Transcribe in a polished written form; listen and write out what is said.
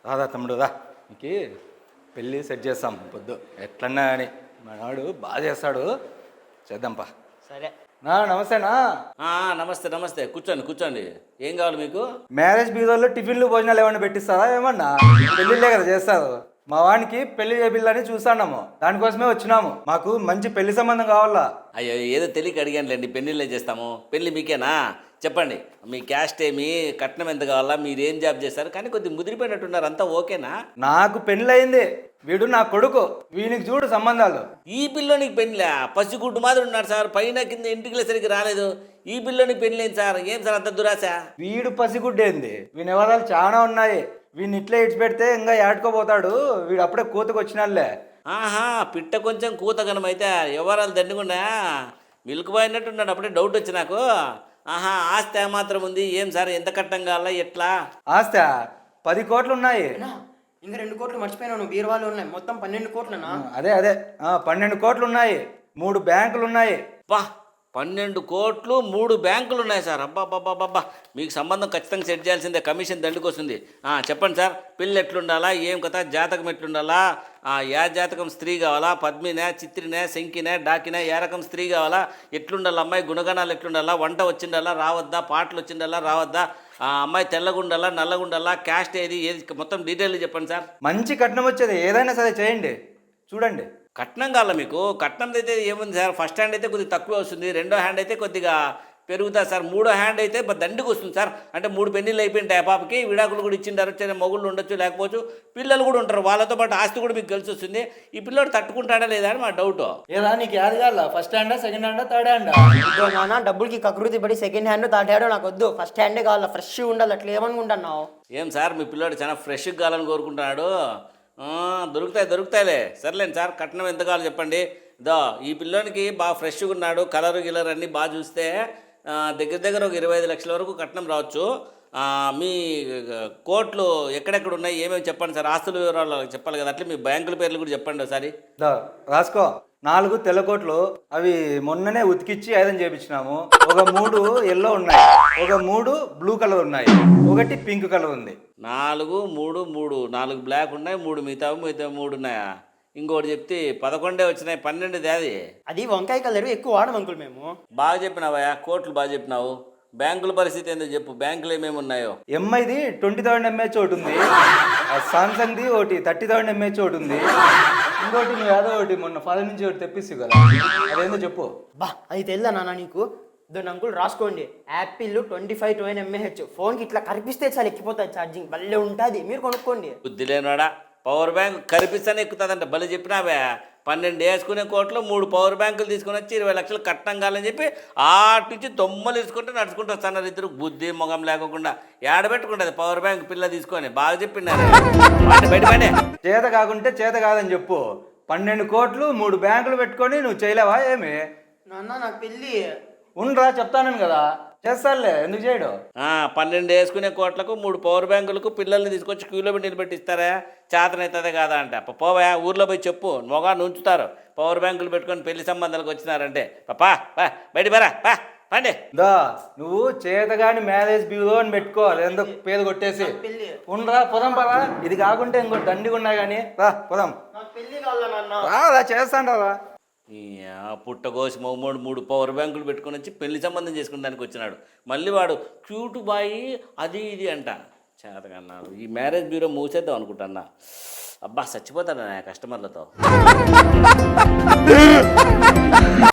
రాదా తమ్ముడు రా, నీకు పెళ్ళి సెట్ చేస్తాం పొద్దు ఎట్లన్నా అని. మనవాడు బాగా చేస్తాడు, చేద్దాంపా. సరే. నమస్తేనా. నమస్తే నమస్తే, కూర్చోండి కూర్చోండి. ఏం కావాలి మీకు? మ్యారేజ్ బీదోళ్ళు టిఫిన్లు భోజనాలు ఏమన్నా పెట్టిస్తారా? ఏమన్నా పెళ్ళిళ్ళే కదా చేస్తారు. మా వానికి పెళ్లి చేపిల్లని చూస్తున్నాము, దానికోసమే వచ్చినాము. మాకు మంచి పెళ్లి సంబంధం కావాలా. అయ్యో ఏదో తెలియక అడిగానులేండి, పెళ్ళిళ్ళే చేస్తాము. పెళ్ళి మీకేనా? చెప్పండి, మీ క్యాస్ట్ ఏమి, కట్నం ఎంత కావాలా, మీరు ఏం జాబ్ చేస్తారు? కానీ కొద్దిగా ముదిరిపోయినట్టున్నారు, అంతా ఓకేనా? నాకు పెళ్ళయింది, వీడు నా కొడుకు, వీనికి చూడు సంబంధాలు. ఈ పిల్లోనికి పెళ్ళా? పసిగుడ్డు మాదిరి ఉన్నాడు సార్, పైన కింద ఇంటికి సరిగ్గా రాలేదు. ఈ పిల్లోనికి పెళ్ళేం సార్? ఏం సార్ అంత దురాశ? వీడు పసిగుడ్డేంది, వీని వివరాలు చాలా ఉన్నాయి. వీడిని ఇట్లే ఇడిచిపెడితే ఇంకా ఏడుకోపోతాడు. వీడు అప్పుడే కూతకు వచ్చినాళ్లే. ఆహా, పిట్ట కొంచెం కూతగనమైతే ఎవరాలు దండుకున్నా మిల్క్ బాయ్ అన్నట్టున్నాడు. అప్పుడే డౌట్ వచ్చి నాకు. ఆహా, ఆస్తి ఏమాత్రం ఉంది? ఏం సార్, ఎంత కట్టం కావాలా, ఎట్లా? ఆస్తి 10 కోట్లు ఉన్నాయి. ఇంకా 2 కోట్లు మర్చిపోయినాను, బీరువాలు ఉన్నాయి. మొత్తం 12 కోట్లనా? అదే 12 కోట్లు ఉన్నాయి, 3 బ్యాంకులు ఉన్నాయి. పా, 12 కోట్లు 3 బ్యాంకులు ఉన్నాయి సార్. అబ్బాబ్బాబ్బా, మీకు సంబంధం ఖచ్చితంగా సెట్ చేయాల్సిందే, కమిషన్ దండుకొస్తుంది. చెప్పండి సార్, పెళ్ళి ఎట్లుండాలా, ఏం కథ, జాతకం ఎట్లుండాలా, యా జాతకం స్త్రీ కావాలా, పద్మినే, చిత్రినే, శంకినే, డాకినే, ఏ రకం స్త్రీ కావాలా, ఎట్లుండాలి అమ్మాయి, గుణగణాలు ఎట్లుండాలా, వంట వచ్చిండాలా రావద్దా, పాటలు వచ్చిండాలా రావద్దా, అమ్మాయి తెల్లగుండాలా నల్లగుండాలా, క్యాస్ట్ ఏది మొత్తం డీటెయిల్ చెప్పండి సార్. మంచి కట్నం వచ్చేది ఏదైనా సరే చేయండి, చూడండి. కట్నం కావాలా మీకు? కట్నం అయితే ఏముంది సార్, ఫస్ట్ హ్యాండ్ అయితే కొద్దిగా తక్కువ వస్తుంది, రెండో హ్యాండ్ అయితే కొద్దిగా పెరుగుతుంది సార్, మూడో హ్యాండ్ అయితే దండికి వస్తుంది సార్. అంటే 3 పెళ్ళిళ్ళు అయిపోయింటాయి, పాపకి విడాకులు కూడా ఇచ్చిండారు, మొగుళ్ళు ఉండొచ్చు, లేకపోవచ్చు పిల్లలు కూడా ఉంటారు, వాళ్ళతో పాటు ఆస్తి కూడా మీకు కలిసి వస్తుంది. ఈ పిల్లోడు తట్టుకుంటాడా లేదా అని మా డౌట్. ఏదా నీకు యాది కావాలా? ఫస్ట్ హ్యాండా, సెకండ్ హ్యాండా, థర్డ్ హ్యాండా? నాన్న డబ్బులకి కకృతి పడి సెకండ్ హ్యాండ్ థర్డ్ హ్యాండ్ నాకు వద్దు, ఫస్ట్ హ్యాండే కావాలా, ఫ్రెష్ ఉండాలి. అట్లా ఏమనుకుంటున్నావు? ఏం సార్, మీ పిల్లోడు చాలా ఫ్రెష్గా కావాలని కోరుకుంటున్నాడు. దొరుకుతాయిలే, సర్లేండి సార్. కట్నం ఎంత కావాలో చెప్పండి. ఈ పిల్లోనికి బాగా ఫ్రెష్గా ఉన్నాడు, కలర్ గిలర్ అన్నీ బాగా చూస్తే దగ్గర ఒక 25 లక్షల వరకు కట్నం రావచ్చు. మీ కోట్లు ఎక్కడెక్కడ ఉన్నాయి, ఏమేమి చెప్పండి సార్. ఆస్తుల వివరాలు చెప్పాలి కదా, అట్లే మీ బ్యాంకుల పేర్లు కూడా చెప్పండి ఒకసారి. రాసుకో. 4 తెల్ల కోట్లు, అవి మొన్ననే ఉతికిచ్చి ఐరన్ చేపించినాము. ఒక 3 ఎల్లో ఉన్నాయి, ఒక 3 బ్లూ కలర్ ఉన్నాయి, ఒకటి పింక్ కలర్ ఉంది. 4, 3, 3, 4 బ్లాక్ ఉన్నాయి, 3 మిగతా 3 ఉన్నాయా? ఇంకోటి చెప్తే 11 వచ్చినాయి, 12 అది. అది వంకాయ కలర్ ఎక్కువ వాడము అంకుల్ మేము. బాగా చెప్పినావయ్యా, కోట్లు బాగా చెప్పినావు. బ్యాంకుల పరిస్థితి ఏందో చెప్పు, బ్యాంకులు ఏమేమి ఉన్నాయో. ఎంఐది 20,000 ఎంఏహెచ్ ఒకటి ఉంది, సామ్సంగ్ది ఒకటి 30,000 ఎంఏహెచ్ ఒకటి ఉంది, ఇంకోటి నువ్వు ఏదో ఒకటి మొన్న ఫాదర్ నుంచి ఒకటి తెప్పిస్తు కదా, అదేందో చెప్పు. అది తెలుదా నాన్న నీకు? దాన్ని అంకుల్ రాసుకోండి. యాపిల్ 25,000 ఎంఏహెచ్, ఫోన్కి ఇట్లా కనిపిస్తే చాలా ఎక్కిపోతుంది ఛార్జింగ్, భలే ఉంటుంది, మీరు కొనుక్కోండి. బుద్ధి లేనివాడా, పవర్ బ్యాంక్ కనిపిస్తానే ఎక్కుతుందంట. భలే చెప్పినావే. 12 వేసుకునే కోట్లు 3 పవర్ బ్యాంకులు తీసుకొని వచ్చి 20 లక్షలు కట్టం కాలని చెప్పి ఆటి నుంచి తొమ్మలు తీసుకుంటే నడుచుకుంటూ వస్తున్నారు ఇద్దరు, బుద్ధి మొగం లేకుండా. ఏడబెట్టుకుంటుంది పవర్ బ్యాంక్ పిల్ల తీసుకొని. బాగా చెప్పినారు. బయట చేత కాకుంటే చేత కాదని చెప్పు. 12 కోట్లు 3 బ్యాంకులు పెట్టుకొని నువ్వు చేయలేవా ఏమి? నాన్న నాకు పెళ్ళి ఉండరా, చెప్తాను కదా, చేస్తానులే, ఎందుకు చేయడు? 12 వేసుకునే కోట్లకు 3 పవర్ బ్యాంకులకు పిల్లల్ని తీసుకొచ్చి క్యూలో పెట్టి నిలబెట్టిస్తారా? చేతనవుతుందే కాదా అంటే పోవా, ఊర్లో పోయి చెప్పు, మొగాన్ని ఉంచుతారు. పవర్ బ్యాంకులు పెట్టుకొని పెళ్లి సంబంధాలకు వచ్చినారంటే పా బయట పా పండి. నువ్వు చేతగాని మ్యారేజ్ బ్యూరో అని పెట్టుకోవాలి, ఎందుకు పేరు కొట్టేసి. ఉండరా, పొదం పరా. ఇది కాకుంటే ఇంకోటి దండిగా ఉన్నాయి కానీ రా పొదం. చేస్తాను రా. పుట్టగోసి 3 పవర్ బ్యాంకులు పెట్టుకొని వచ్చి పెళ్లి సంబంధం చేసుకునేదానికి వచ్చినాడు. మళ్ళీ వాడు క్యూట్ బాయ్ అది ఇది అంట. చేతకన్నాడు. ఈ మ్యారేజ్ బ్యూరో మూసేద్దాం అనుకుంటున్నా. అబ్బా చచ్చిపోతాడు నా కస్టమర్లతో.